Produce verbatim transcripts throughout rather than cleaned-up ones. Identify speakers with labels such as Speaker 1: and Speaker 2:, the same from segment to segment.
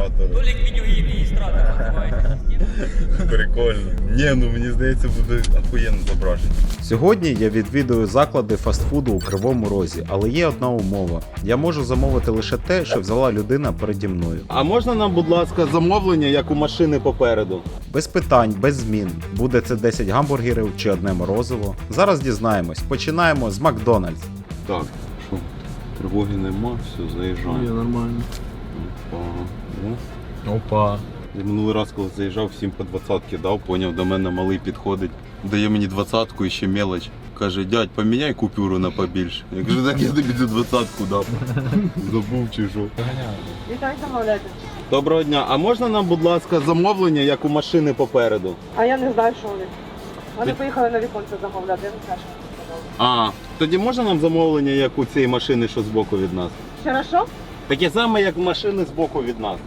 Speaker 1: адміністратора.
Speaker 2: Толік відеоадміністратор називається система.
Speaker 1: Прикольно. Ні, ну мені здається, буде охуєнно зображення.
Speaker 3: Сьогодні я відвідую заклади фастфуду у Кривому Розі, але є одна умова. Я можу замовити лише те, що взяла людина переді мною.
Speaker 1: А можна нам, будь ласка, замовлення, як у машини попереду?
Speaker 3: Без питань, без змін. Буде це десять гамбургерів чи одне морозиво. Зараз дізнаємось. Починаємо з Макдональдс.
Speaker 1: Так, що? Тривоги нема, все, заїжджаємо.
Speaker 4: Ні, нормально.
Speaker 1: Опа. О.
Speaker 4: Опа.
Speaker 1: Я минулий раз, коли заїжджав, всім по двадцятки дав, поняв, до мене малий підходить, дає мені двадцятку і ще мелоч. Каже, дядь, поміняй купюру на побільше. Я кажу, так я тобі цю двадцятку дав. Забув чи що.
Speaker 5: Вітаю, замовляйте.
Speaker 1: Доброго дня, а можна нам, будь ласка, замовлення, як у машини попереду?
Speaker 5: А я не знаю, що вони. Вони поїхали на віконце замовляти, я не знаю, що вони сказали.
Speaker 1: А, тоді можна нам замовлення, як у цієї машини, що збоку від нас?
Speaker 5: Ще що?
Speaker 1: Таке саме, як машини збоку від нас.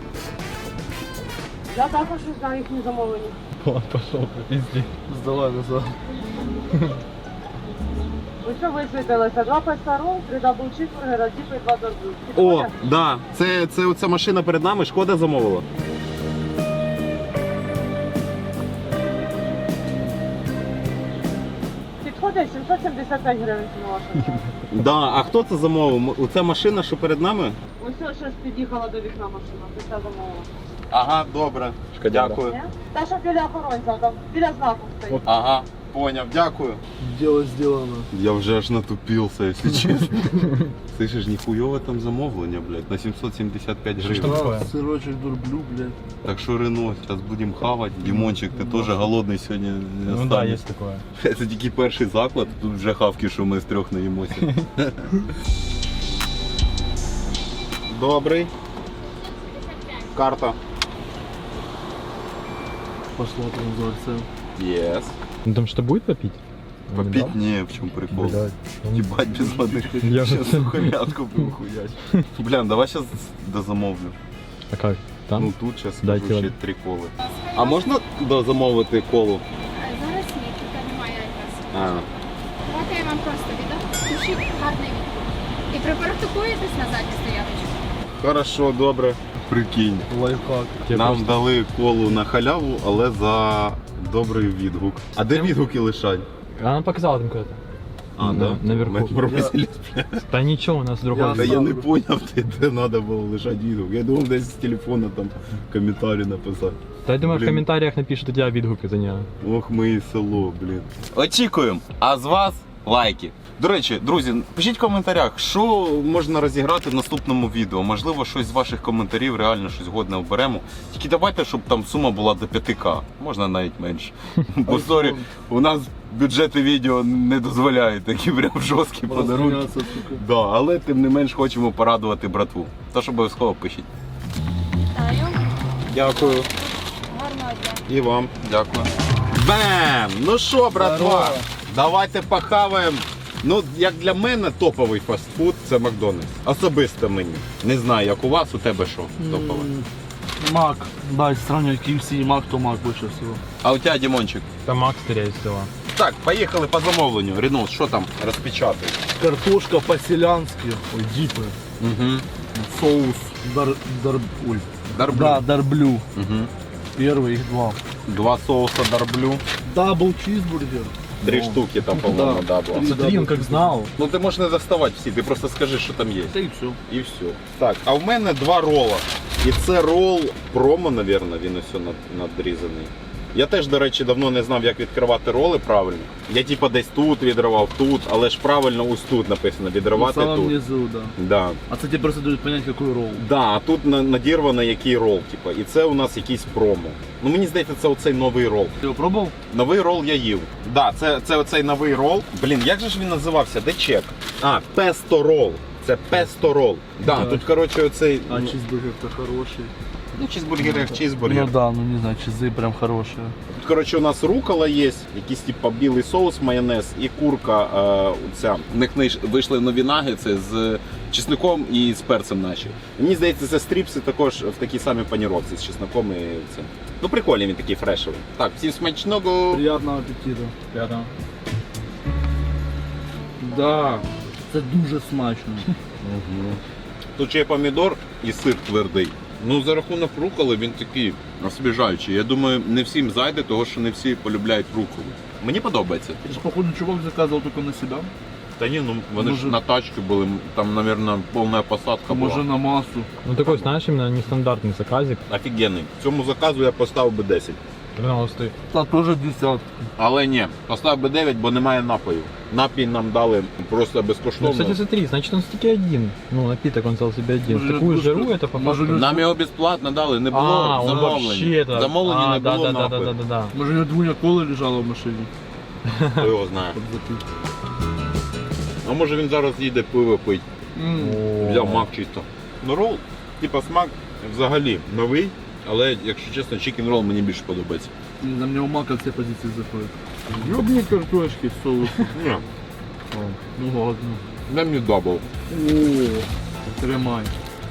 Speaker 5: Я також не знаю їхні замовлення.
Speaker 4: Он пошел, пизди. Сдавай назад.
Speaker 5: Ви що висвітилися? Два песару, три дабл чизбургера, діпи і два дорбу.
Speaker 1: О, да, це, це оця машина перед нами, Шкода замовила.
Speaker 5: Підходить сімсот сімдесят п'ять гривень ціна ваша.
Speaker 1: Да, а хто це замовив? Оця машина, що перед нами?
Speaker 5: Ось ось щось під'їхала до вікна машина, ти це замовила.
Speaker 1: Ага, добре. Дякую.
Speaker 5: Ні? Та що біля охоронця, там біля знаку стоїть.
Speaker 1: Ага, поняв, дякую.
Speaker 4: Дело сделано.
Speaker 1: Я вже аж натупився, якщо чесно. Слышиш, ніхуйове там замовлення, блядь, на сімсот сімдесят п'ять гривень.
Speaker 4: Да, сырочек дурблю, блядь.
Speaker 1: Так що Рено, зараз будемо хавати. Дімончик, ти теж голодний сьогодні не
Speaker 6: Ну да,
Speaker 1: останешся.
Speaker 6: есть такое.
Speaker 1: Це тільки перший заклад, тут вже хавки, що ми з трьох наїмося. Добрий. Карта.
Speaker 4: Посмотрим за цен.
Speaker 1: Yes.
Speaker 6: Ну там что будет попить?
Speaker 1: Попить не, в чем прикол.
Speaker 6: Блядь.
Speaker 1: Ебать без воды.
Speaker 6: Я же
Speaker 1: Сейчас сухомятку будем хуять. Бля, давай сейчас дозамовлю.
Speaker 6: А как? Там?
Speaker 1: Ну тут сейчас
Speaker 6: Дайте
Speaker 1: скажу ще
Speaker 6: воду.
Speaker 1: три коли. А можна дозамовити колу?
Speaker 7: Зараз ні, тут немає якраз.
Speaker 1: А,
Speaker 7: Давайте я вам просто віддам. Пишіть гарний відповідь. І припарктикуєтесь на задню стояночку.
Speaker 1: хорошо, добре. Прикинь.
Speaker 4: Лайфхак.
Speaker 6: Тебе
Speaker 1: Нам
Speaker 6: просто-
Speaker 1: дали колу на халяву, але за добрий відгук. А де відгуки лишать?
Speaker 6: Она показала там куда-то.
Speaker 1: А,
Speaker 6: На-
Speaker 1: да?
Speaker 6: наверху.
Speaker 1: Ми пропустили.
Speaker 6: Да ничего, у нас другой.
Speaker 4: Я-
Speaker 1: Та я не поняв, де, де треба було лишати відгук. Я думав, десь з телефона там коментарі написати.
Speaker 6: Да я думаю, в
Speaker 1: Блин.
Speaker 6: комментариях напишут у тебя відгуки за нее.
Speaker 1: Ох, ми і село, блін. Очікуємо. А з вас лайки. До речі, друзі, пишіть в коментарях, що можна розіграти в наступному відео. Можливо, щось з ваших коментарів, реально щось годне оберемо. Тільки давайте, щоб там сума була до п'ять тисяч. Можна навіть менше. Бо сорі, у нас бюджети відео не дозволяють такі прям жорсткі подарунки.
Speaker 4: Разгоняться, сука.
Speaker 1: Да, але тим не менш хочемо порадувати братву. Тож обов'язково пишіть.
Speaker 7: Вітаю.
Speaker 1: Дякую.
Speaker 7: Гарного дня.
Speaker 1: І вам. Дякую. Бем! Ну що, братва,
Speaker 4: Здорово.
Speaker 1: давайте похаваємо. Ну, як для мене топовий фастфуд це Макдональдс. Особисто мені. Не знаю, як у вас, у тебе що топове.
Speaker 4: М, Мак. Да, если сравнивать кей эф си и Мак, то Мак больше всего.
Speaker 1: А у тебе, Дімончик?
Speaker 6: Там Макс, скорее всего.
Speaker 1: Так, поїхали по замовленню. Ренус, що там розпечатати?
Speaker 4: Картошка по-селянски. Ой, дипы.
Speaker 1: Угу.
Speaker 4: Соус. Дар... Дар... Ой.
Speaker 1: Дарблю.
Speaker 4: Да, дарблю.
Speaker 1: Угу.
Speaker 4: Первый, их два.
Speaker 1: Два соуса дарблю.
Speaker 4: Дабл чизбургер.
Speaker 1: Три
Speaker 4: Ну,
Speaker 1: штуки там, по-моєму,
Speaker 4: да.
Speaker 1: да, було.
Speaker 4: Три.
Speaker 6: Смотри, он как знал.
Speaker 1: Ну ти можеш не доставати всі, ти просто скажи, що там є.
Speaker 4: Да и все.
Speaker 1: І все. Так, а в мене два рола. І це рол промо, мабуть, він ось над- надрізаний. Я теж, до речі, давно не знав, як відкривати роли правильно. Я типа десь тут відривав, тут, але ж правильно ось тут написано
Speaker 4: В
Speaker 1: відривати
Speaker 4: самом
Speaker 1: тут.
Speaker 4: низу, да.
Speaker 1: Да.
Speaker 4: А кстати, просто дают понять, какой ролл.
Speaker 1: Да, а тут на- надірвано який рол, типа. І це у нас якийсь промо. Ну мені здається, це оцей новий рол.
Speaker 4: Ты его пробовал?
Speaker 1: Новий рол я їв. Да, це, це оцей новий рол. Блін, як же ж він називався? Де чек? А, песто рол. Це песто рол. Да,
Speaker 4: Так.
Speaker 1: тут, коротше, оцей.
Speaker 4: А
Speaker 1: ну,
Speaker 4: чизбургер-то хороший.
Speaker 1: Ну, чизбургер як чизбургер.
Speaker 4: Ну да, ну не знаю, чизы прям хорошие.
Speaker 1: Тут, коротше, у нас рукола є, якийсь типа білий соус, майонез і курка. Е, ця. У них знайш- вийшли нові нагетси з чесником і з перцем наші. Мені здається, це стріпси також в такій самій паніровці з чесником і цим. Ну прикольний він такий фрешовий. Так, всім смачного.
Speaker 4: Приятного аппетита.
Speaker 6: Рядом.
Speaker 4: Да, це дуже смачно.
Speaker 1: Тут ще є помідор і сир твердий. Ну, за рахунок руколи він такий освіжаючий. Я думаю, не всім зайде, тому що не всі полюбляють руколу. Мені подобається.
Speaker 4: Это, походу, чувак заказывал только на себя.
Speaker 1: Та ні, ну вони
Speaker 4: Може-
Speaker 1: ж на тачці були, там, мабуть, повна посадка була.
Speaker 4: Може на массу.
Speaker 6: Ну такой, знаешь, именно нестандартный заказик.
Speaker 1: Офігенний. Цьому заказу я поставив би десять.
Speaker 6: тринадцатый.
Speaker 4: Та тоже десятка.
Speaker 1: Але ні, поставив би дев'ять, бо немає напою. Напій нам дали просто
Speaker 6: Ну,
Speaker 1: безкоштовно.
Speaker 6: кстати, смотри, значит он все-таки один. Ну, напиток он взял себе один.
Speaker 4: Может,
Speaker 6: Такую
Speaker 4: это
Speaker 6: жиру
Speaker 4: что?
Speaker 6: это по
Speaker 4: Может,
Speaker 6: факту.
Speaker 1: Нам його безплатно дали, не було
Speaker 6: А, он
Speaker 1: замовлення.
Speaker 6: вообще-то.
Speaker 1: Замовлення
Speaker 6: А,
Speaker 1: не
Speaker 6: да,
Speaker 1: було
Speaker 6: да, да, да,
Speaker 1: напою.
Speaker 6: да, да, да.
Speaker 4: Може, у нього двоня коли лежала в машині.
Speaker 1: Хто його знає.
Speaker 4: Щоб запити.
Speaker 1: А може він зараз їде пиво пить.
Speaker 6: О.
Speaker 1: Взяв мак чисто. Ну рол, типа смак взагалі новий, але якщо чесно, чикен рол мені більше подобається.
Speaker 4: На мене у мака всі позиції заходять. Ёбні картошки з соусом.
Speaker 1: Ні,
Speaker 4: Ну ладно.
Speaker 1: дай мені дабл.
Speaker 4: О, тримай.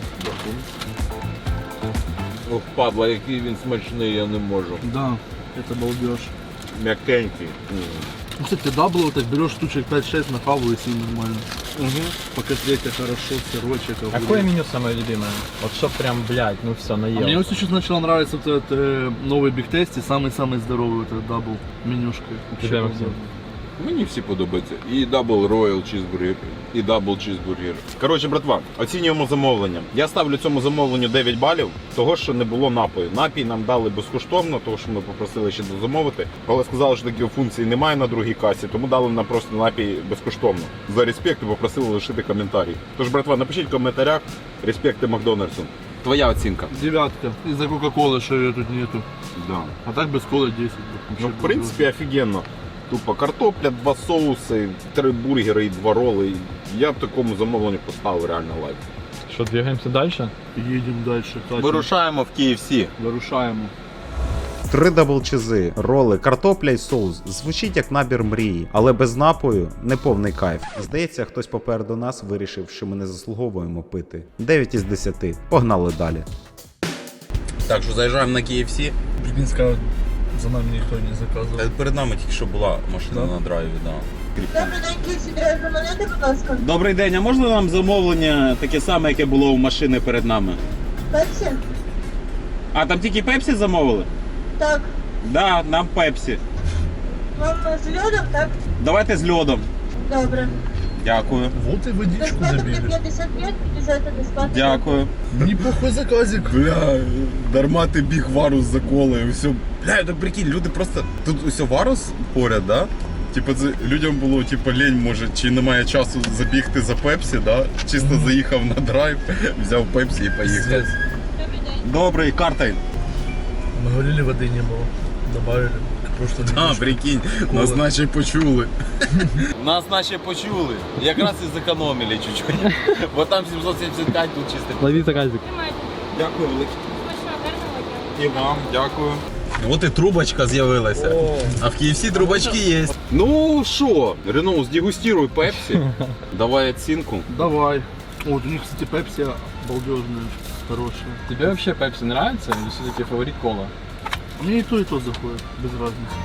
Speaker 1: Ох, падла, який він смачний, я не можу.
Speaker 4: Да, это балдеж.
Speaker 1: М'якенький.
Speaker 4: Ну, кстати, дабл вот так берешь штучек пять-шесть, нахавал и с ним нормально. По котлете хорошо, сырочек. огурец.
Speaker 6: Какое меню самое любимое? Вот чтоб прям, блядь, ну все,
Speaker 4: А мне
Speaker 6: наел.
Speaker 4: вот сейчас начало нравиться вот этот э, новый Big Tasty, самый-самый здоровый вот этот дабл менюшка. Вообще
Speaker 6: Тебе, Максим?
Speaker 4: обалденно.
Speaker 1: Мені всі подобаються. І дабл роял чізбургер, і дабл чізбургер. Коротше, братва, оцінюємо замовлення. Я ставлю цьому замовленню дев'ять балів, того, що не було напою. Напій нам дали безкоштовно, того, що ми попросили ще дозамовити. Але сказали, що такої функції немає на другій касі, тому дали нам просто напій безкоштовно. За респект і попросили лишити коментарі. Тож, братва, напишіть в коментарях респекти Макдональдсу. Твоя оцінка.
Speaker 4: Девятка. Из-за Кока-Колы, что ее тут нету.
Speaker 1: Да.
Speaker 4: А так без колы десять.
Speaker 1: Ну, в принципі, офігенно. Тупо картопля, два соуси, три бургери і два роли. Я б такому замовленню поставив реально лайк.
Speaker 6: Что, двигаемся дальше?
Speaker 4: Едем дальше. Катя.
Speaker 1: Вирушаємо в кей еф сі.
Speaker 4: Вирушаємо.
Speaker 3: Три даблчизи, роли, картопля й соус. Звучить як набір мрії, але без напою не повний кайф. Здається, хтось попереду нас вирішив, що ми не заслуговуємо пити. дев'ять із десяти. Погнали далі.
Speaker 1: Так що заїжджаємо на кей еф сі.
Speaker 4: Прикинь, сказал, за нами никто не заказывал.
Speaker 1: Перед нами тільки що була машина на драйві, да.
Speaker 8: Добрий день, Київсі, драйвер монети, будь ласка.
Speaker 9: Добрий день, а можна нам замовлення таке саме, яке було у машини перед нами?
Speaker 8: Пепсі?
Speaker 9: А там тільки пепсі замовили?
Speaker 8: Так.
Speaker 9: Да, нам пепсі.
Speaker 8: Вам з льодом, так?
Speaker 9: Давайте з льодом.
Speaker 8: Добре.
Speaker 9: Дякую.
Speaker 4: Вот и водичку
Speaker 8: Безплатно
Speaker 4: забили.
Speaker 8: п'ятдесят п'ять, п'ятдесят безплатно.
Speaker 9: Дякую.
Speaker 4: Неплохой заказик.
Speaker 1: Бля, дарма ти біг варус за колою, все. Бля, так прикинь, люди просто. Тут усе варус поряд, да? Типу, це людям було типу, лень, може, чи немає часу забігти за пепсі, да? Чисто заїхав на драйв, взяв пепсі і поїхав.
Speaker 8: Добрий день.
Speaker 9: Добрий, картой.
Speaker 4: Мы говорили, воды не было. Добавили. Просто
Speaker 1: А, прикинь, нас наче почули.
Speaker 10: Нас наче почули. Якраз і зекономили чуть-чуть. Бо там сімсот сімдесят п'ять, тут чистий.
Speaker 6: Лови заказик.
Speaker 7: Тримайте.
Speaker 10: Дякую, велике.
Speaker 7: Смачного, гарного дня.
Speaker 10: І вам, дякую.
Speaker 1: От і трубочка з'явилася. А в кей еф сі трубочки є. Ну що, Рено, здегустируй пепсі. Давай оцінку.
Speaker 4: Давай. Вот у них, кстати, пепси балдежная, хорошая.
Speaker 6: Тебе вообще пепси нравится или все-таки фаворит кола?
Speaker 4: Мне и то, и то заходит, без разницы.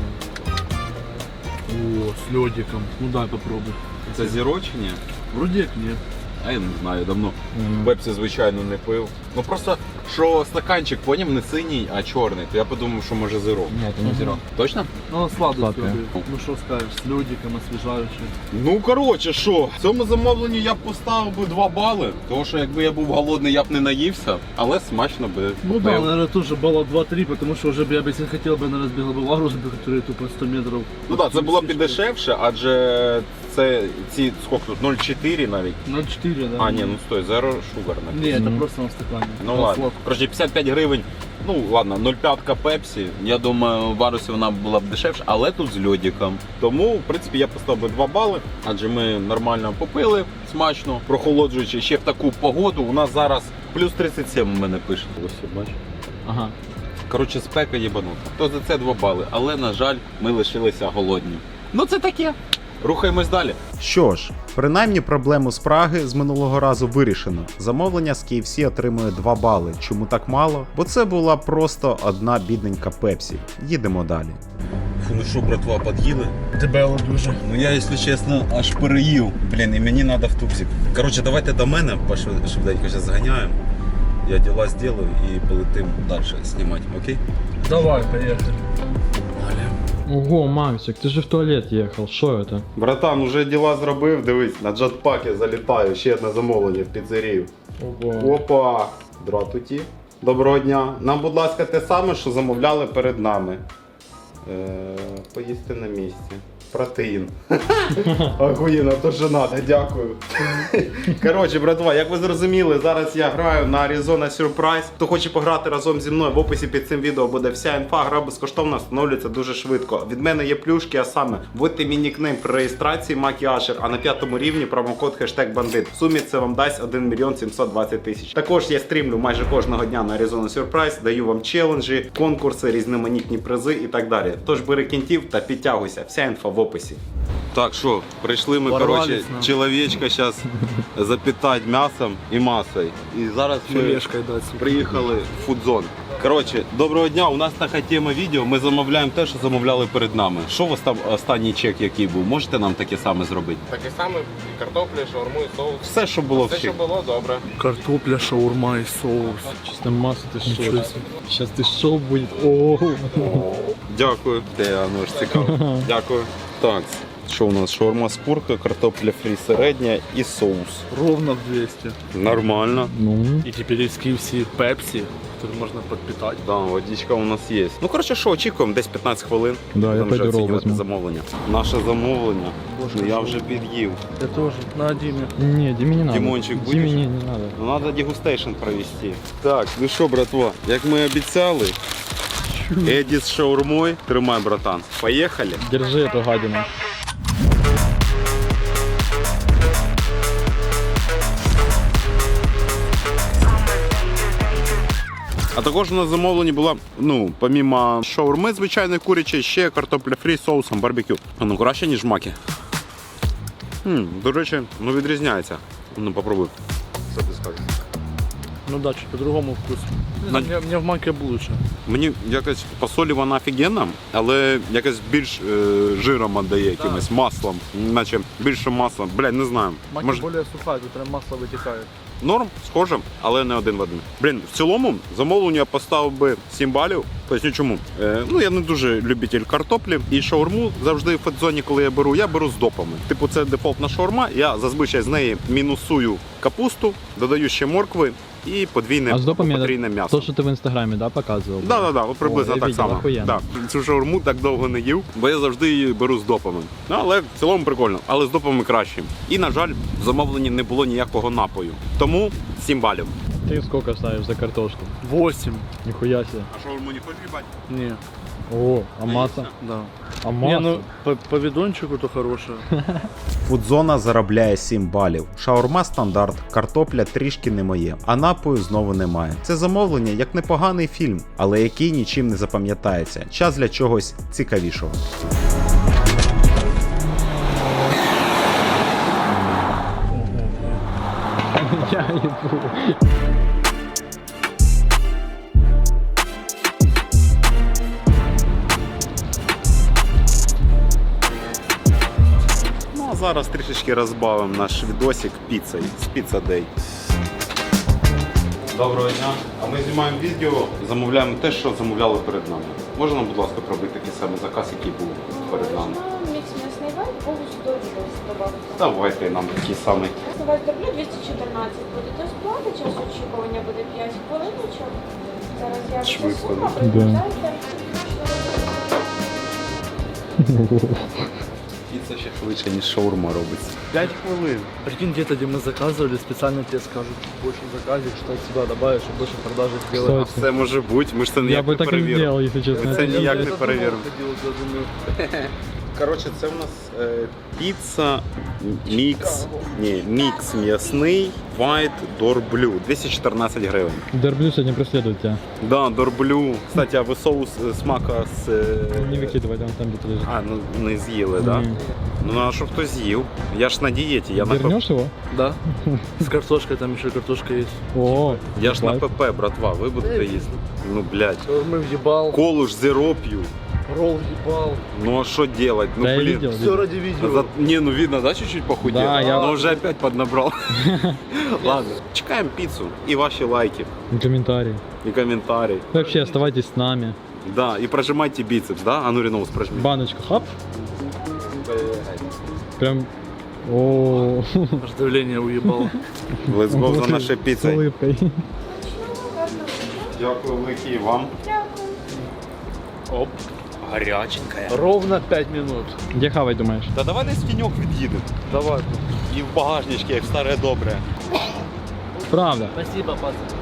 Speaker 4: О, с ледиком. Ну дай попробуй.
Speaker 1: Це зірочення?
Speaker 4: Вроде как нет.
Speaker 1: А я не знаю, давно пепсі, звичайно, не пив. Ну просто, що стаканчик, поняв, не синій, а чорний, то я подумав, що може зеро.
Speaker 6: Нет, это не зеро.
Speaker 1: Точно?
Speaker 4: Ну, она сладкая.
Speaker 6: Сладкая.
Speaker 4: Ну что скажешь, с ледиком освежающий.
Speaker 1: Ну, коротше, що, в цьому замовленні я б поставив би два бали, тому що якби я був голодний, я б не наївся, але смачно би.
Speaker 4: Ну
Speaker 1: попив.
Speaker 4: да, наверное, тоже балла два-три, потому что уже бы я бы, если хотел бы, наверное, сбегал бы в Арус, который тупо сто метров.
Speaker 1: Ну так, це було б і дешевше, адже це ці, скільки тут, нуль чотири навіть.
Speaker 4: ноль четыре, да?
Speaker 1: А, ні, ну стой, Zero Sugar
Speaker 4: Не,
Speaker 1: написано.
Speaker 4: это просто на стакане.
Speaker 1: Ну
Speaker 4: На
Speaker 1: ладно.
Speaker 4: сладком.
Speaker 1: Короче, п'ятдесят п'ять гривень. Ну ладно, нуль п'ять пепсі. Я думаю, в Варусі вона була б дешевша, але тут з льодиком. Тому, в принципі, я поставив би два бали, адже ми нормально попили, смачно, прохолоджуючи ще в таку погоду. У нас зараз плюс тридцять сім у мене пише. Ось, бачиш?
Speaker 6: Ага.
Speaker 1: Коротше, спека єбанута. То за це два бали. Але, на жаль, ми лишилися голодні. Ну це таке. Рухаємось далі.
Speaker 3: Що ж, принаймні проблему з Праги з минулого разу вирішено. Замовлення з кей еф сі отримує два бали. Чому так мало? Бо це була просто одна бідненька пепсі. Їдемо далі.
Speaker 1: Фу, ну що, братва, під'їли?
Speaker 4: Тебе дуже.
Speaker 1: Ну я, якщо чесно, аж переїв. Блін, і мені треба в тупсик. Коротше, давайте до мене, швиденько зараз зганяємо. я діла зроблю і полетим далі знімати, окей?
Speaker 4: Давай, поехали.
Speaker 6: Ого, Максик, ты же в туалет ехал, что это?
Speaker 3: Братан, уже діла зробив, дивись, на джетпакі залітаю, ще одне замовлення в піцерію.
Speaker 6: Ого.
Speaker 3: Опа! Здравствуйте. Доброго дня. Нам, будь ласка, те саме, що замовляли перед нами. Е, поїсти на місці. Протеїн. Охуєнно, то що надо, дякую. Коротше, братва, як ви зрозуміли, зараз я граю на Arizona Surprise. Хто хоче пограти разом зі мною, в описі під цим відео буде вся інфа. Гра безкоштовна, встановлюється дуже швидко. Від мене є плюшки, а саме вводьте мій нікнейм при реєстрації Макі Ашер, а на п'ятому рівні промокод хештег бандит. В сумі це вам дасть один мільйон сімсот двадцять тисяч. Також я стрімлю майже кожного дня на Arizona Surprise, даю вам челенджі, конкурси, різноманітні призи і так далі. Тож бери кінтів та підтягуйся. Вся інфа в описі. Так що, прийшли ми,
Speaker 4: Ворвались
Speaker 3: коротше,
Speaker 4: нам.
Speaker 3: чоловічка зараз запитати м'ясом і масою. І зараз ми
Speaker 4: Филешкой дать.
Speaker 3: приїхали в фудзон. Коротше, доброго дня, у нас така тема відео, ми замовляємо те, що замовляли перед нами. Що у вас там останній чек який був? Можете нам таке саме зробити?
Speaker 11: Таке саме і картопля, шаурму, і соус.
Speaker 3: Все, що було в
Speaker 11: Все, що
Speaker 3: чек.
Speaker 11: було, добре.
Speaker 4: Картопля, шаурма и соус.
Speaker 6: Чисто масса, ты
Speaker 4: Ничего
Speaker 6: что?
Speaker 4: себе.
Speaker 6: Сейчас ты шоу будет. Ого.
Speaker 3: Дякую. Те, ну ж цікаво. Дякую. Так, що у нас? Шаурма з куркою, картопля фрі середня і соус.
Speaker 4: Ровно в двести.
Speaker 3: Нормально.
Speaker 6: Ну,
Speaker 4: И теперь из ки эф си Пепси, который можно подпитать.
Speaker 3: Да, водичка у нас є. Ну, коротше, що, очікуємо, десь п'ятнадцять хвилин.
Speaker 6: Да, я
Speaker 3: Будемо вже
Speaker 6: пойду ролл
Speaker 3: оцінювати
Speaker 6: возьму.
Speaker 3: замовлення. Наше замовлення. Ну, я вже під'їв.
Speaker 4: Я тоже. На Диме.
Speaker 6: не, Диме не надо.
Speaker 3: Димончик будешь?
Speaker 6: Диме не, не надо.
Speaker 3: Ну, треба дегустейшн провести. Так, ну що, братва, як ми обіцяли, Еді з шаурмою. Тримай, братан. Поїхали.
Speaker 6: Держи эту гадину.
Speaker 3: А також у нас замовлення було, ну, помімо шаурми звичайної курячої, ще картопля фрі з соусом барбекю. Ну, краще, ніж маки. Хм, до речі, ну відрізняється. Ну, попробуй. Що ти скажеш?
Speaker 4: Ну да, чуть по-другому вкус.
Speaker 3: На-
Speaker 4: Мне, мне в маке лучше.
Speaker 3: Мені якось по солі вона офігенна, але якось більш е, жиром віддає якимось маслом. Наче більше масла. Блядь, не знаю.
Speaker 4: Маки
Speaker 3: Може,
Speaker 4: более сухая, тут прям масло вытекает.
Speaker 3: норм, схоже, але не один в один. Блін, в цілому замовлення я поставив би сім балів. Поясню чому. Е, ну, я не дуже любитель картоплі. І шаурму завжди в фудзоні, коли я беру, я беру з допами. Типу, це дефолтна шаурма, я зазвичай з неї мінусую капусту, додаю ще моркви і подвійне
Speaker 6: А з допами
Speaker 3: потрійне м'ясо.
Speaker 6: То, что ты в инстаграме, да, показывал?
Speaker 3: Да, да, да, от приблизно
Speaker 6: О, я
Speaker 3: так
Speaker 6: видел,
Speaker 3: само.
Speaker 6: охуєнно.
Speaker 3: Да. Цю шаурму так довго не їв, бо я завжди її беру з допами. Ну, але в цілому прикольно, але з допами краще. І, на жаль, в замовленні не було ніякого напою. Тому сім балів.
Speaker 6: Ты сколько ставишь за картошку?
Speaker 4: восемь.
Speaker 6: Нихуя себе.
Speaker 3: А шаурму не хочеш їбати?
Speaker 4: Не,
Speaker 6: О, а масса?
Speaker 4: да.
Speaker 6: А
Speaker 4: Не,
Speaker 6: масса?
Speaker 4: ну по, по видончику то хорошее.
Speaker 3: Фудзона заробляє сім балів. Шаурма стандарт, картопля трішки не моє, а напою знову немає. Це замовлення як непоганий фільм, але який нічим не запам'ятається. Час для чогось цікавішого.
Speaker 6: Я ебу.
Speaker 3: Ну а зараз трішечки розбавимо наш відосик піцею з Pizza Day. Доброго дня. А ми знімаємо відео, замовляємо те, що замовляли перед нами. Можна нам, будь ласка, пробити такий самий заказ, який був перед нами?
Speaker 5: Мікс м'ясний вайт, повністю дорожчий добавити.
Speaker 3: Давайте нам такий самий.
Speaker 5: Вайт дроблю двісті чотирнадцять буде. Тобто плата, час очікування буде п'ять хвилиночок. Зараз я
Speaker 3: Швидко,
Speaker 5: засуну,
Speaker 3: да?
Speaker 5: приїжджайте.
Speaker 3: Піца ще швидше, ніж шаурма робиться.
Speaker 4: пять хвилин. Прикинь, где-то, где мы заказывали, специально тебе скажут, больше заказик, что сюда добавишь, чтобы больше продажи сделать.
Speaker 6: Кстати,
Speaker 3: Це може бути, ми ж це
Speaker 6: я
Speaker 3: ніяк
Speaker 6: бы
Speaker 3: не
Speaker 6: так и
Speaker 3: перевіримо.
Speaker 6: сделал, если честно.
Speaker 3: Це
Speaker 6: Это-
Speaker 3: ніяк
Speaker 4: Я
Speaker 3: не
Speaker 4: это
Speaker 3: перевіримо.
Speaker 4: дома ходил, я думаю,
Speaker 3: Коротше, це у нас е, піца мікс, ні, мікс м'ясний, white дорблю, двісті чотирнадцять гривень.
Speaker 6: Дерблю сегодня преследует тебя.
Speaker 3: Да, дорблю. Кстати, а ви соус е, смака з... е,
Speaker 6: Не выкидывай, он там где-то лежит.
Speaker 3: А, ну не з'їли, да?
Speaker 6: Ні.
Speaker 3: Ну, а що хтось з'їв? Я ж на дієті, я на ПП.
Speaker 6: Вернешь его?
Speaker 4: да. С картошкой, там еще картошка есть.
Speaker 6: О,
Speaker 3: Я ж на
Speaker 6: лайк.
Speaker 3: ПП, братва, ви будете їсти. Ну, блядь.
Speaker 4: Мы въебал.
Speaker 3: Колу ж зеро п'ю.
Speaker 4: Ролл ебал.
Speaker 1: Ну а что делать? Ну
Speaker 6: Да, я
Speaker 1: блин.
Speaker 6: видел,
Speaker 4: Все
Speaker 6: видел.
Speaker 4: ради видео.
Speaker 1: За- Не, ну видно, да, чуть-чуть похудел?
Speaker 6: Да, я-
Speaker 1: Но уже опять поднабрал. Ладно, чекаем пиццу и ваши лайки,
Speaker 6: И комментарии.
Speaker 1: и комментарии.
Speaker 6: Вообще, оставайтесь с нами.
Speaker 1: Да, и прожимайте бицепс, да? А ну, Реноус, прожми.
Speaker 6: Баночку, хап. Прям... О,
Speaker 4: Аж давление уебал.
Speaker 1: Let's go за
Speaker 6: Вот
Speaker 1: нашей
Speaker 6: с
Speaker 1: пиццей.
Speaker 6: улыбкой.
Speaker 1: Дякую велике і вам.
Speaker 4: Оп.
Speaker 1: Горяченькая.
Speaker 4: Ровно пять минут.
Speaker 6: Где хавать, думаешь?
Speaker 1: Та давай десь в тіньок від'їдемо.
Speaker 4: Давай.
Speaker 1: І в багажнички, як старе добре.
Speaker 6: Правда.
Speaker 4: Спасибо, пацан.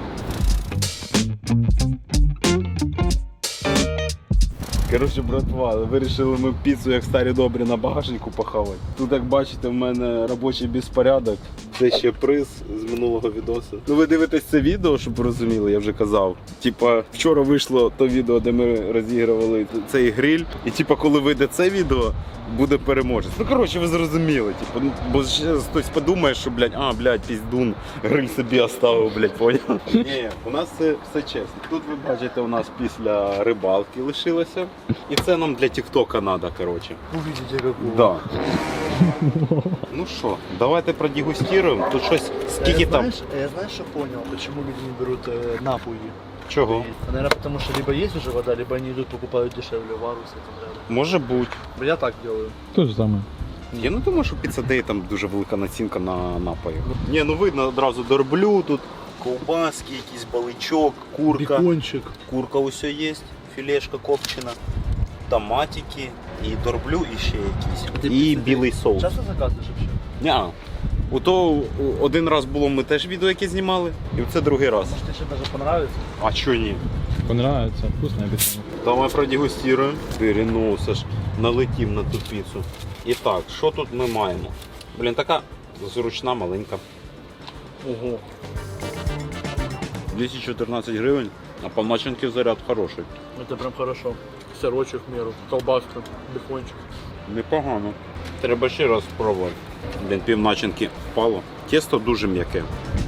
Speaker 1: Коротше, братва, вирішили ми піцу, як старі добрі, на багажнику похавати. Тут, як бачите, в мене робочий безпорядок. Це ще приз з минулого відосу. Ну ви дивитесь це відео, щоб ви розуміли, я вже казав. Типа, вчора вийшло то відео, де ми розігрували цей гриль. І типа, коли вийде це відео, буде переможець. Ну коротше, ви зрозуміли. Типу, ну, бо ще хтось подумає, що, блядь, а, блядь, піздун, гриль собі оставив, блядь, поняв? Ні, у нас це все чесно. Тут ви бачите, у нас після рибалки лишилося. І це нам для тіктока треба, коротше.
Speaker 4: Увидите какого.
Speaker 1: Да. Ну що, давайте продегустируємо. Тут щось, скільки там?
Speaker 4: Знаешь, я знаешь, что понял, почему люди не берут э, напуги?
Speaker 1: Чого?
Speaker 4: Наверное, потому что либо есть уже вода, либо они идут покупают дешевле вару с этим рядом.
Speaker 1: Може бути.
Speaker 4: Я так делаю.
Speaker 6: То же самое.
Speaker 1: Я не думаю, що Pizza Day там дуже велика націнка на напої. Ні, ну видно одразу дорблю, тут ковбаски, якийсь баличок, курка.
Speaker 4: Бекончик.
Speaker 1: Курка усе є, філешка копчена, томатики, і дорблю, і ще якісь.
Speaker 4: Ти
Speaker 1: І
Speaker 4: Pizza Day
Speaker 1: білий соус.
Speaker 4: Часто заказываешь вообще?
Speaker 1: Ня. Ото один раз було, ми теж відео яке знімали, і це другий раз.
Speaker 4: Может, тебе даже понравится?
Speaker 1: А чого ні?
Speaker 6: Понравится. Вкусное обещание.
Speaker 1: Давай продегустируємо. Переносиш, налетів на ту піцу. І так, що тут ми маємо? Блін, така зручна, маленька.
Speaker 4: Ого.
Speaker 1: двісті чотирнадцять гривень, а по начинки заряд хороший.
Speaker 4: Это прям хорошо. Сырочек в меру, колбаска, бекончик.
Speaker 1: Непогано. Треба ще раз спробувати. Блін, пів начинки впало. Тісто дуже м'яке.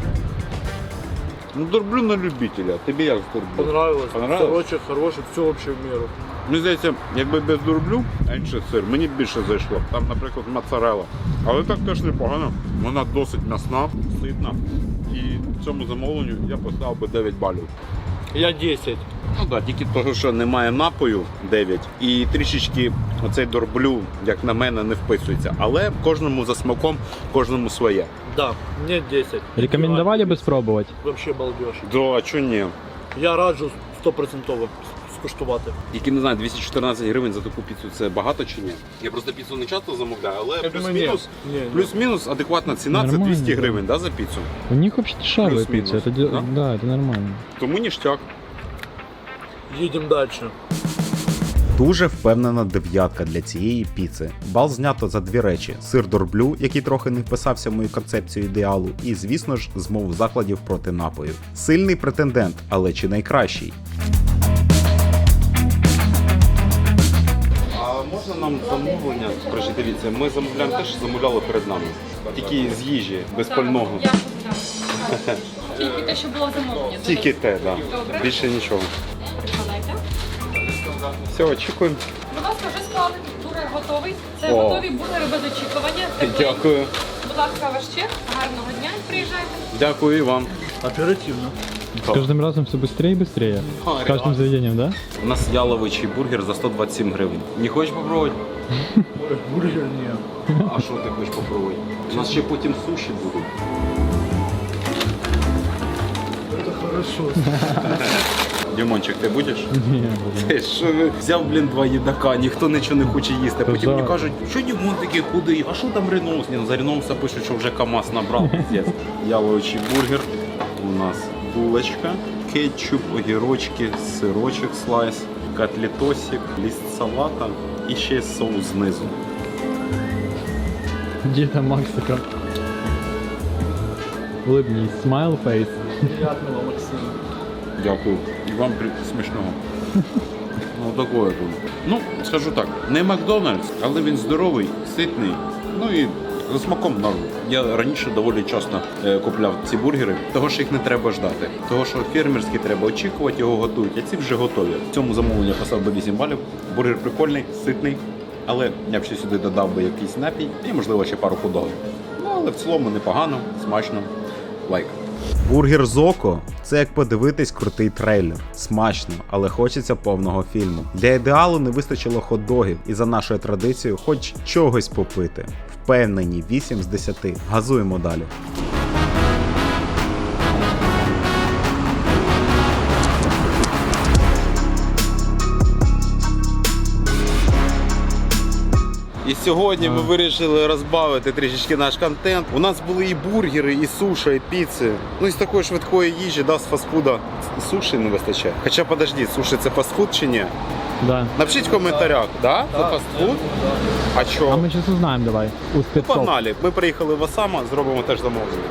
Speaker 1: Ну, дорблю на любителя. Тобі як з дорблю?
Speaker 4: Понравилось.
Speaker 1: Понравилось?
Speaker 4: Сырочек хороший, все вообще в меру.
Speaker 1: Мені здається, якби без дорблю, а інший сир, мені більше зайшло. Там, наприклад, моцарелла. Але так теж непогано. Вона досить м'ясна, ситна. І цьому замовленню я поставив би дев'ять балів.
Speaker 4: Я десять.
Speaker 1: Ну так, тільки того, що немає напою дев'ять. І трішечки оцей дорблю, як на мене, не вписується. Але кожному за смаком, кожному своє.
Speaker 4: Да, мне десять.
Speaker 6: Рекомендовали бы спробовать?
Speaker 4: Вообще балдеж.
Speaker 1: Да, а чого ні?
Speaker 4: Я раджу стопроцентово скуштувати.
Speaker 1: Тільки не знаю, двісті чотирнадцять гривень за таку піцу це багато чи ні? Я просто піцу не часто замовляю, але
Speaker 4: Я думаю, ні.
Speaker 1: плюс-мінус
Speaker 4: Ні, ні.
Speaker 1: плюс-мінус адекватна ціна це
Speaker 6: Нормально,
Speaker 1: двісті
Speaker 6: да.
Speaker 1: гривень, да, за піцу?
Speaker 6: У них вообще дешевая
Speaker 1: Плюс-минус,
Speaker 6: пицца. Это, де-
Speaker 1: да?
Speaker 6: да, это нормально.
Speaker 1: Тому ніштяк.
Speaker 4: Їдемо дальше.
Speaker 3: Дуже впевнена дев'ятка для цієї піци. Бал знято за дві речі: сир дорблю, який трохи не вписався в мою концепцію ідеалу, і, звісно ж, змову закладів проти напою. Сильний претендент, але чи найкращий?
Speaker 1: А можна нам замовлення? Скажи, дивіться, ми замовляємо те, що замовляли перед нами. Тільки з їжі, без пального.
Speaker 7: Я так. Тільки те, що було замовлення.
Speaker 1: Тільки те, так. Да. Більше нічого.
Speaker 7: Прикладайте.
Speaker 1: Все, очікуємо.
Speaker 7: Будь ласка, вже склали. Бургер готовий. Це
Speaker 1: О.
Speaker 7: готові бургери без очікування. Тепленькі.
Speaker 1: Дякую.
Speaker 7: Будь ласка, ваш чек. Гарного дня. Приїжджайте.
Speaker 1: Дякую і вам.
Speaker 4: Оперативно.
Speaker 6: С каждым разом все быстрее и быстрее.
Speaker 1: А,
Speaker 6: С каждым заведением, да?
Speaker 1: У нас яловичий бургер за сто двадцять сім гривень. Не хочеш попробувати?
Speaker 4: Ой, бургер не.
Speaker 1: А що ти хочеш попробувати? У нас ще потім суші будуть.
Speaker 4: Это хорошо.
Speaker 1: Дімончик, ти будеш?
Speaker 6: Не, блин.
Speaker 1: Ти що ви взяв, блін, два їдака, ніхто нічого не хоче їсти. Потім
Speaker 6: Да.
Speaker 1: мені кажуть, що Дімон такий худий, а що там Реноус? Ні, ну за Реноуса пишуть, що вже КамАЗ набрав. Пиздец. Яловичий бургер. У нас булочка, кетчуп, огірочки, сирочок слайс, котлетосик, лист салата і ще соус знизу.
Speaker 6: Где там Максика? Улыбнись. Smile face.
Speaker 4: Приятного, Максим.
Speaker 1: Дякую. І вам при- смачного. Ну, такое тут. Ну, скажу так, не Макдональдс, але він здоровий, ситний. Ну і
Speaker 3: За смаком норм. Я раніше доволі часто е, купляв ці бургери, того що їх не треба ждати. Того що фермерські треба очікувати, його готують, а ці вже готові. В цьому замовленні я поставив би вісім балів. Бургер прикольний, ситний, але я б ще сюди додав би якийсь напій і, можливо, ще пару хот-догів. Ну, але в цілому непогано, смачно. Лайк. Бургер Зоко – це як подивитись крутий трейлер. Смачно, але хочеться повного фільму. Для ідеалу не вистачило хот-догів і за нашою традицією хоч чогось попити. Впевнені, вісім з десяти. Газуємо далі.
Speaker 1: І сьогодні ми вирішили розбавити трішечки наш контент. У нас були і бургери, і суша, і піци. Ну і з такої швидкої їжі, да, з фастфуда. Суші не вистачає. Хоча, подожди, суші це фастфуд чи ні?
Speaker 6: Да.
Speaker 1: Напишіть в коментарях, да? Це фастфуд? А
Speaker 6: А
Speaker 1: що?
Speaker 6: мы сейчас узнаем, давай. У
Speaker 1: Ну,
Speaker 6: спецов.
Speaker 1: погнали. Ми приїхали в Осама, зробимо теж замовлення.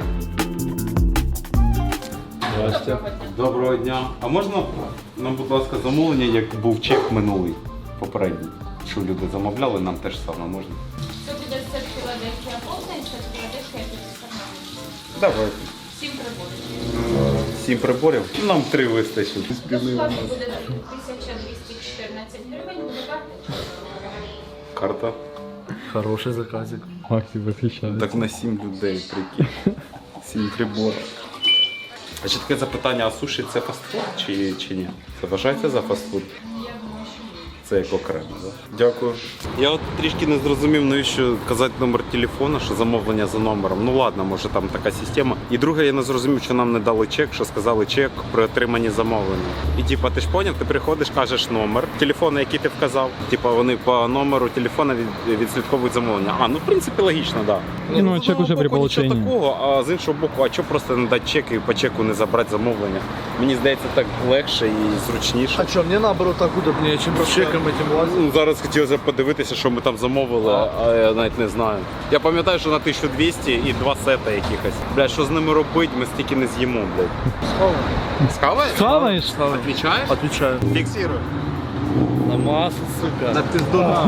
Speaker 1: Доброго дня. А можна нам, будь ласка, замовлення, як був чек минулий, попередній? Що люди замовляли, нам теж саме можна?
Speaker 5: Це буде сет Філадельфія Полтень, сет Філадельфія Піцерна.
Speaker 1: Давай.
Speaker 5: Сім приборів.
Speaker 1: Сім приборів? Нам три вистачить.
Speaker 5: Безплатно буде тисяча двісті чотирнадцять гривень, буде карта.
Speaker 1: Карта.
Speaker 4: Хороший заказик.
Speaker 6: Максим восхищается.
Speaker 1: Так на сім людей, прикинь. Сім приборів. А ще таке запитання, а суші це фастфуд чи, чи ні? Це вважається за фастфуд? Це як окремо, так? Дякую. Я от трішки не зрозумів, навіщо казати номер телефону, що замовлення за номером. Ну ладно, може там така система. І друге, я не зрозумів, що нам не дали чек, що сказали чек при отриманні замовлення. І типа, ти ж поняв, ти приходиш, кажеш номер телефону, який ти вказав. Типа вони по номеру телефона від, відслідковують замовлення. А, ну в принципі логічно, так. Да.
Speaker 6: Ну, чек уже при получении.
Speaker 1: Нічого такого, а з іншого боку, а чого просто не дати чек і по чеку не забрати замовлення? Мені здається, так легше і зручніше.
Speaker 4: А что, мне наоборот так удобнее, чем с чеком этим лазить.
Speaker 1: Ну, зараз хотілося подивитися, що ми там замовили, а я навіть не знаю. Я пам'ятаю, що на тисячу двісті і два сета якихось. Блядь, що з ними робити, ми стільки не з'їмо, блядь. Схаваєш?
Speaker 6: Схаваєш?
Speaker 1: Отвічаєш?
Speaker 4: Отвечаю.
Speaker 1: Фіксирую.
Speaker 4: На масло, сука. На пиздуна.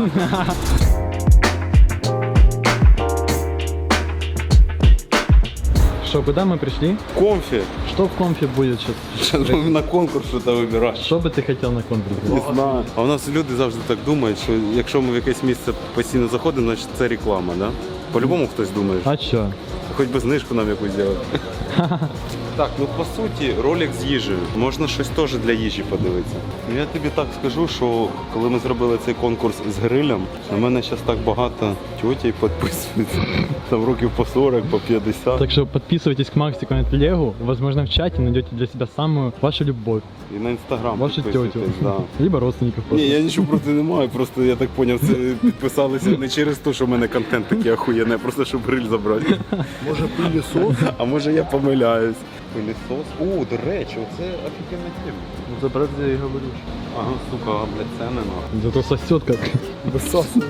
Speaker 6: Что, куда мы пришли?
Speaker 1: Комфі.
Speaker 6: Что в конфе будет сейчас?
Speaker 1: Зараз ми на конкурс що-то вибираємо.
Speaker 6: Что бы ты хотел на конкурсе?
Speaker 1: Не знаю. А у нас люди завжди так думають, що якщо ми в якесь місце постійно заходимо, значить це реклама, да? По-любому хтось думає.
Speaker 6: А чё?
Speaker 1: Хоч би знижку нам якусь зробити. Так, ну по суті, ролик з їжею. Можна щось теж для їжі подивитися. Ну, я тобі так скажу, що коли ми зробили цей конкурс з грилем, на мене зараз так багато тьотей підписується. Там років по сорок, по п'ятдесят.
Speaker 6: Так что подписывайтесь к Максику на телегу. Возможно, в чате найдете для себя самую вашу любовь.
Speaker 1: І на інстаграм
Speaker 6: Вашу тетю.
Speaker 1: підписуйтесь, да.
Speaker 6: Либо родственников
Speaker 1: Ні,
Speaker 6: просто.
Speaker 1: я нічого проти не маю, просто я так зрозумів, це підписалися не через те, що в мене контент такий охуєнний, а просто щоб гриль забрати.
Speaker 4: Може пылесос?
Speaker 1: А може я помиляюсь. Пилісос. О, до речі, оце офігенна тема.
Speaker 4: Ну за брат я и говорю.
Speaker 1: Ага, сука, блядь, це не надо.
Speaker 6: Зато сосет как.
Speaker 4: Высасывается.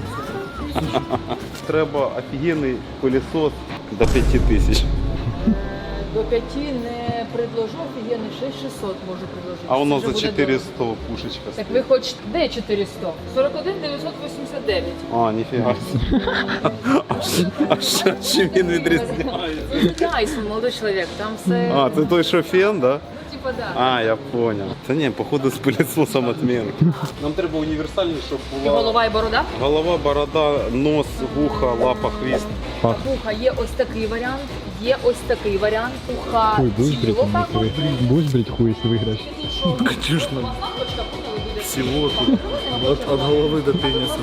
Speaker 1: Треба офігенний пилісос до п'яти тисяч.
Speaker 12: До п'яти не предложу, офігенний шість шістсот можу предложити.
Speaker 1: А воно
Speaker 12: Це
Speaker 1: за
Speaker 12: вже буде
Speaker 1: чотириста
Speaker 12: дорого.
Speaker 1: пушечка
Speaker 12: Так
Speaker 1: стоїть.
Speaker 12: ви хочете, де чотириста? сорок один дев'ятсот вісімдесят дев'ять.
Speaker 1: А, ніфіга. А що- А що чим він відрізняється?
Speaker 12: Тайсон, молодой чоловік, там все,
Speaker 1: А, це той, що фен, да?
Speaker 12: ну типа да.
Speaker 1: А, я понял. Та ні, походу з пилісосом отмін. Нам треба універсальний, щоб
Speaker 12: І
Speaker 1: була
Speaker 12: голова і борода?
Speaker 1: голова, борода, нос, вуха, лапа, хвіст.
Speaker 12: Вуха є ось такий варіант, є ось такий варіант. Вуха
Speaker 6: Хуй, будешь брить,
Speaker 12: ціло так
Speaker 6: если
Speaker 12: от.
Speaker 6: вы- будешь брить хуй, если выиграешь?
Speaker 4: Конечно.
Speaker 12: Лампочка, поняли, буде.
Speaker 4: Всего тут. От, от головы до пениса.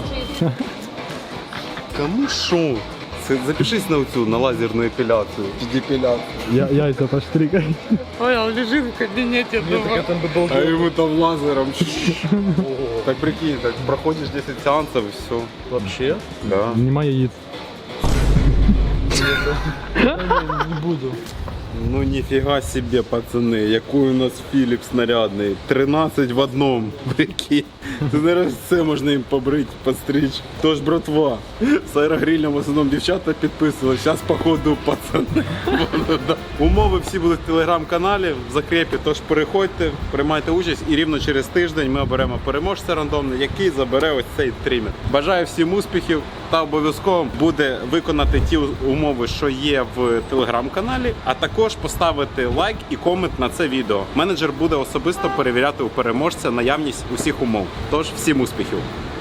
Speaker 1: Кому що? Це запишись на цю, на лазерну епіляцію. Депіляцію.
Speaker 6: Я, яйца поштрикай.
Speaker 1: Ой, он лежит в кабинете
Speaker 4: Так там бы долго.
Speaker 1: А ему там лазером. Так прикинь, так проходишь десять сеансов и все.
Speaker 4: Вообще?
Speaker 1: Да.
Speaker 6: Нема яиц.
Speaker 4: Не буду.
Speaker 1: Ну нифига себе, пацаны, який у нас Філіп снарядний. тринадцять в одному. Прикинь. Це зараз все можна їм побрити, постричь. Тож, братва, з аерогрилем в основному дівчата підписували. Зараз, походу, пацани. Умови всі будуть в телеграм-каналі, в закрепі. Тож переходьте, приймайте участь і рівно через тиждень ми оберемо переможця рандомно, який забере ось цей тример. Бажаю всім успіхів.
Speaker 3: Мета обов'язково буде виконати ті умови, що є в телеграм-каналі, а також поставити лайк і комент на це відео. Менеджер буде особисто перевіряти у переможця наявність усіх умов. Тож всім успіхів!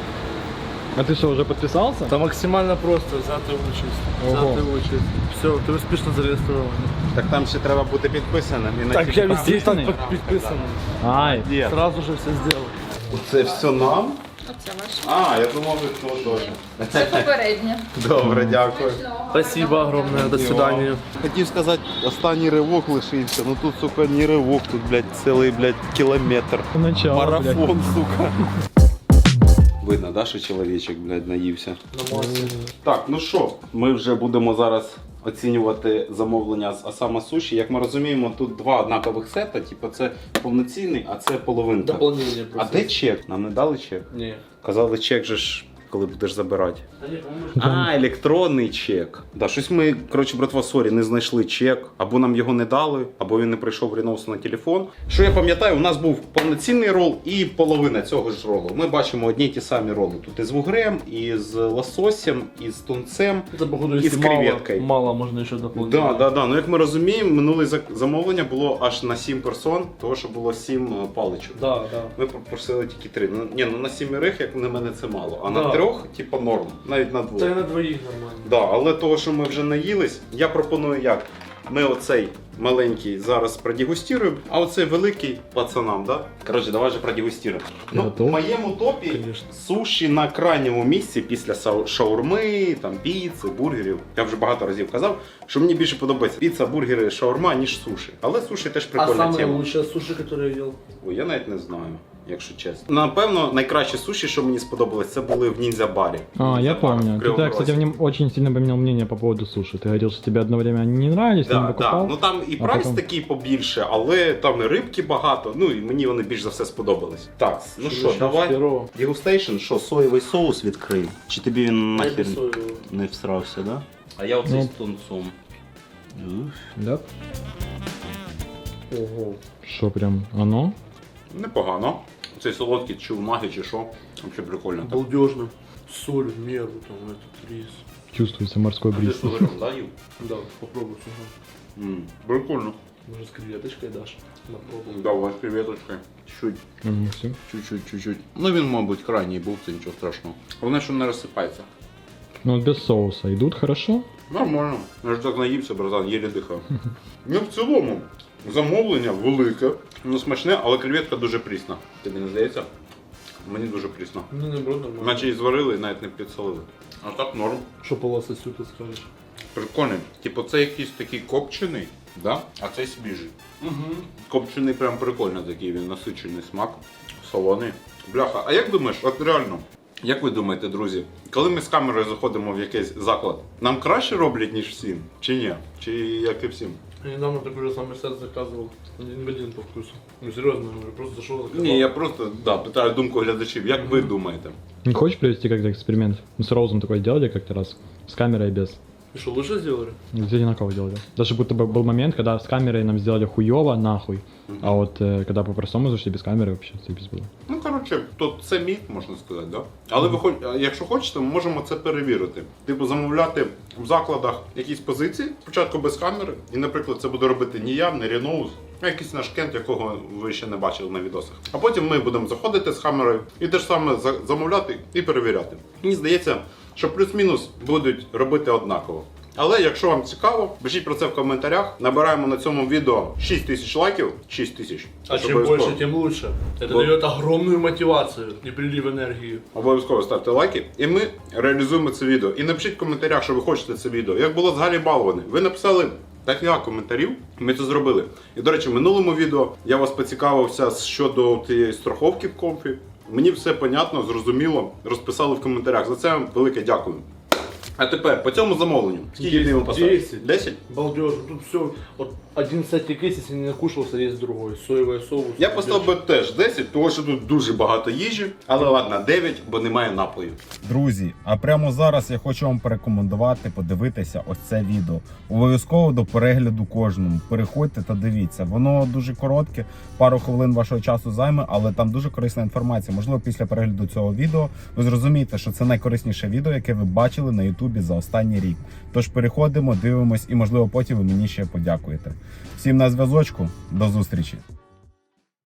Speaker 6: А ты что, уже подписался?
Speaker 4: Это максимально просто, взяти участь.
Speaker 6: Ого.
Speaker 4: Взяти участь. Все, ти успішно зареєстрований.
Speaker 3: Так там ще треба бути підписаним. І на
Speaker 4: Так, я
Speaker 3: ті-
Speaker 4: везде і так
Speaker 6: Підписаний?
Speaker 4: під- підписаний.
Speaker 6: Ай,
Speaker 3: Є.
Speaker 4: Сразу же все зробив.
Speaker 3: Це все нам?
Speaker 7: Оце ваше.
Speaker 3: А, я думав, ви хто теж.
Speaker 7: Це попереднє.
Speaker 3: Добре, дякую.
Speaker 4: Спасибо огромное, до свидания.
Speaker 3: Хотів сказати, останній ривок лишився, ну тут, сука, не ривок, тут, блядь, цілий, блядь, кілометр.
Speaker 6: начало, блядь.
Speaker 3: Марафон, сука. Видно, да, що чоловічок, блядь, наївся. Так, ну що, ми вже будемо зараз оцінювати замовлення з Осама Суші. Як ми розуміємо, тут два однакових сета, типу це повноцінний, а це половинка.
Speaker 4: Дополнение
Speaker 3: А
Speaker 4: просто.
Speaker 3: де чек? Нам не дали чек?
Speaker 4: Ні.
Speaker 3: Казали, чек же ж, коли будеш забирати.
Speaker 4: Та ні, по-моєму,
Speaker 3: А, електронний чек. Да, щось ми, коротше, братва, сорі, не знайшли чек, або нам його не дали, або він не прийшов в Ріноусу на телефон. Що я пам'ятаю, у нас був повноцінний рол і половина цього ж ролу. Ми бачимо одні й ті самі роли. Тут і з вугрем, і з лососем, і з тунцем.
Speaker 4: Це, походу,
Speaker 3: І з
Speaker 4: якщо мало,
Speaker 3: креветкою.
Speaker 4: мало можна ще доповнити.
Speaker 3: Да, да, да. Ну як ми розуміємо, минуле зак- замовлення було аж на сім персон, того що було сім е, паличок.
Speaker 4: Да, да.
Speaker 3: Ми попросили тільки три. Ну, ні, ну на сімерих, як на мене, це мало. А на
Speaker 4: Да.
Speaker 3: трьох, типу, норм. Навіть на двох.
Speaker 4: Це і на двоїх нормально.
Speaker 3: Да, але того, що ми вже наїлись, я пропоную як. Ми оцей маленький зараз продегустируємо, а оцей великий пацанам, да? Коротше, давай же продегустируємо. Ну,
Speaker 6: Готов?
Speaker 3: в моєму топі
Speaker 4: Конечно.
Speaker 3: суші на крайньому місці після сау- шаурми, там, піци, бургерів. Я вже багато разів казав, що мені більше подобається піца, бургери, шаурма, ніж суші. Але суші теж
Speaker 4: А
Speaker 3: прикольна
Speaker 4: самое
Speaker 3: тема.
Speaker 4: лучшее суши, которое я ел?
Speaker 3: Ой, я навіть не знаю, якщо чесно. Напевно, найкращі суші, що мені сподобалось, це були в ніндзя-барі.
Speaker 6: А, я
Speaker 3: Ніндзя-бар
Speaker 6: помню.
Speaker 3: в
Speaker 6: Ты,
Speaker 3: Кривому
Speaker 6: кстати,
Speaker 3: Розі.
Speaker 6: мне очень сильно поменял мнение по поводу суши. Ты говорил, что тебе одно время они не нравились, ты не
Speaker 3: Да, да.
Speaker 6: покупал.
Speaker 3: Ну там і
Speaker 6: а
Speaker 3: прайс
Speaker 6: потім-
Speaker 3: такий побільше, але там і рибки багато. Ну і мені вони більш за все сподобались. Так, ну що,
Speaker 4: Начнем с
Speaker 3: давай.
Speaker 4: первого.
Speaker 3: Дегустейшн, що, соєвий соус відкрий? Чи тобі він
Speaker 4: Я
Speaker 3: нахер
Speaker 4: без соевого.
Speaker 3: не всрався, да? А я оцей
Speaker 6: Ну.
Speaker 3: з тунцом.
Speaker 6: Да?
Speaker 4: Ого.
Speaker 6: Что прям оно?
Speaker 3: Непогано. Цей солодкий чи в магі, чи що. Взагалі прикольно. Так.
Speaker 4: Балдежно. Соль в меру, там, этот рис.
Speaker 6: Чувствуется морской
Speaker 3: Ти
Speaker 6: бриз.
Speaker 3: з варіом, да, їв?
Speaker 4: Да, попробуй, ага.
Speaker 3: М, Прикольно.
Speaker 4: Может, с креветочкой дашь? Попробуй.
Speaker 3: Давай, креветочкой. Чуть.
Speaker 6: Мгм, всё.
Speaker 3: Чуть-чуть, чуть-чуть. Ну він, мабуть, крайній був, це нічого страшного. Головне, що не розсипається.
Speaker 6: Ну вот без соуса идут хорошо.
Speaker 3: Нормально. Я ж так наївся, братан, єлі дихав. Ну, в цілому, замовлення велике, ну смачне, але креветка дуже прісна. Тобі не здається? Мені дуже прісно.
Speaker 4: Ну, наоборот, нормально.
Speaker 3: Наче і зварили, і навіть не підсолили. А так норм.
Speaker 4: Что по лососю ты скажешь?
Speaker 3: Прикольний. Типу, це якийсь такий копчений, да? А це свіжий.
Speaker 4: Угу.
Speaker 3: Копчений прям прикольно такий, він насичений смак, солоний. Бляха, а як думаєш, от реально, як ви думаєте, друзі, коли ми з камерою заходимо в якийсь заклад, нам краще роблять, ніж всім? Чи ні? Чи як і всім?
Speaker 4: Я недавно такой же самый сет заказывал. Один в один по вкусу. Ну, серьезно, я говорю, просто зашел, заказал.
Speaker 3: Ні, я просто да, питаю думку глядачів, як ви думаєте?
Speaker 6: Не хочешь провести как-то эксперимент? Мы с Роузом такой делали как-то раз. С камерой и без.
Speaker 4: И что, лучше сделали?
Speaker 6: Где одинаково делали. Даже будто бы был момент, когда с камерой нам сделали хуёво, нахуй. А вот э, когда по-простому зашли без камеры, вообще заебись было.
Speaker 3: Ну, коротше, то це міф, можна сказати, да? Але ви хоч, якщо хочете, ми можемо це перевірити. Типу, замовляти в закладах якісь позиції, спочатку без камери, і, наприклад, це буде робити не я, не Ріноус, а якийсь наш кент, якого ви ще не бачили на відосах. А потім ми будемо заходити з камерою і те ж саме за- замовляти і перевіряти. Мені здається, що плюс-мінус будуть робити однаково. Але якщо вам цікаво, пишіть про це в коментарях. Набираємо на цьому відео шість тисяч лайків. шість тисяч.
Speaker 4: А
Speaker 3: Це
Speaker 4: чем
Speaker 3: обов'язково.
Speaker 4: больше, тем лучше. Это
Speaker 3: Вот.
Speaker 4: дает огромную мотивацию и прилив энергии.
Speaker 3: Обов'язково ставте лайки, і ми реалізуємо це відео. І напишіть в коментарях, що ви хочете це відео. Як було з Галі Балвани. Ви написали декілька коментарів, ми це зробили. І, до речі, в минулому відео я вас поцікавився щодо тієї страховки в комфі. Мені все понятно, зрозуміло, розписали в коментарях. За це вам велике дякую.
Speaker 1: А тепер по цьому замовленню. Скільки ти йому поставиш?
Speaker 4: десять.
Speaker 1: десять?
Speaker 4: Балдеж, тут все, вот один сетик есть, если не накушался, есть другой. Соевый соус.
Speaker 1: Я поставив би теж десять, тому що тут дуже багато їжі, але ладно, дев'ять, бо немає напою. Друзі, а прямо зараз я хочу вам порекомендувати подивитися ось це відео. Обов'язково до перегляду кожному. Переходьте та дивіться. Воно дуже коротке, пару хвилин вашого часу займе, але там дуже корисна інформація. Можливо, після перегляду цього відео ви зрозумієте, що це найкорисніше відео, яке ви бачили на Ютубі за останній рік. Тож переходимо, дивимось і, можливо, потім ви мені ще подякуєте. Всім на зв'язочку, до зустрічі!